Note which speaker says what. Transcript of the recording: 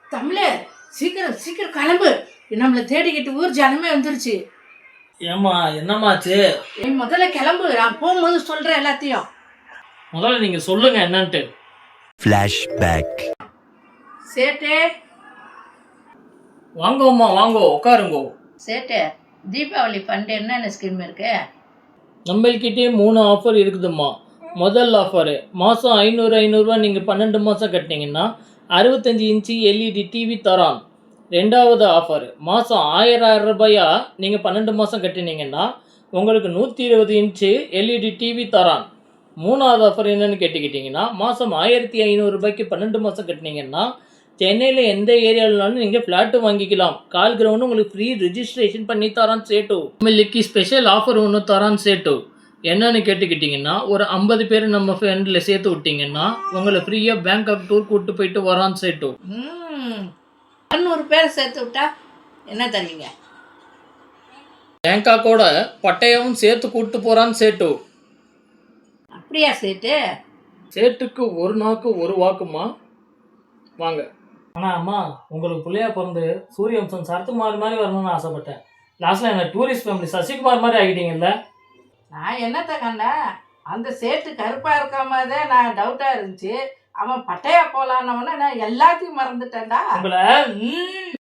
Speaker 1: தமிழே சீக்கிரம் சீக்கிரம் கிளம்பு. நம்மளை தேடிக்கிட்டு ஊர் ஜனமே வந்துருச்சு.
Speaker 2: ஏம்மா என்னம்மாச்சு?
Speaker 1: நீ முதல்ல கிளம்பு, நான் போகும்போது சொல்றேன் எல்லாத்தையும்.
Speaker 2: முதல்ல நீங்க சொல்லுங்க என்னன்ட்டு.
Speaker 3: ஃப்ளாஷ்பேக்.
Speaker 1: சேட்டே
Speaker 2: வாங்கோம்மா வாங்கோ, உட்காருங்கோ.
Speaker 1: சேட்டே, தீபாவளி ஃபண்ட் என்னென்ன ஸ்கீம் இருக்கு?
Speaker 2: நம்மள்கிட்டே 3 ஆஃபர் இருக்குதும்மா. முதல் ஆஃபரு மாதம் 500 நீங்கள் 12 மாதம் கட்டினீங்கன்னா 65 இன்ச்சு எல்இடி டிவி தரான். ரெண்டாவது ஆஃபர் மாதம் 1000 ரூபாயா நீங்கள் 12 மாதம் கட்டினீங்கன்னா உங்களுக்கு 120 இன்ச்சு எல்இடி டிவி தரான். மூணாவது ஆஃபர் என்னென்னு கேட்டுக்கிட்டிங்கன்னா மாதம் 1500 ரூபாய்க்கு 12 மாதம் கட்டினீங்கன்னா சென்னையில் எந்த ஏரியாவில்னாலும் நீங்கள் ஃப்ளாட்டு வாங்கிக்கலாம். கால் கிரவுண்டு உங்களுக்கு ஃப்ரீ ரிஜிஸ்ட்ரேஷன் பண்ணி தரான் சேட்டு. நம்மளுக்கு ஸ்பெஷல் ஆஃபர் ஒன்று தரான் சேட்டு. என்னன்னு கேட்டுக்கிட்டிங்கன்னா ஒரு 50 பேர் நம்ம ஃப்ரெண்டில் சேர்த்து விட்டிங்கன்னா உங்களை ஃப்ரீயாக பேங்காக் டூர் கூப்பிட்டு போயிட்டு வரான் சேட்டு.
Speaker 1: 200 பேர் சேர்த்து விட்டா என்ன தருவீங்க?
Speaker 2: பேங்காக்கோட பட்டயமும் சேர்த்து கூப்பிட்டு போகிறான் சேட்டு.
Speaker 1: அப்படியா சேட்டு?
Speaker 2: சேட்டுக்கு ஒரு நாக்கு ஒரு வாக்குமா. வாங்க. ஆனால் அம்மா, உங்களுக்கு பிள்ளையா பிறந்து சூரியவம்சம் சரத்குமார் மாதிரி வரணும்னு ஆசைப்பட்டேன். லாஸ்ட்டில் என்ன டூரிஸ்ட் ஃபேமிலி சசிகுமார் மாதிரி ஆகிட்டீங்கல்ல.
Speaker 1: நான் என்னத்த கண்டா, அந்த சேட்டு கருப்பாக இருக்காம தான் நான் டவுட்டாக இருந்துச்சு. அவன் பட்டையா போலான்னவன நான் எல்லாத்தையும் மறந்துட்டேன்டா.
Speaker 2: உங்களை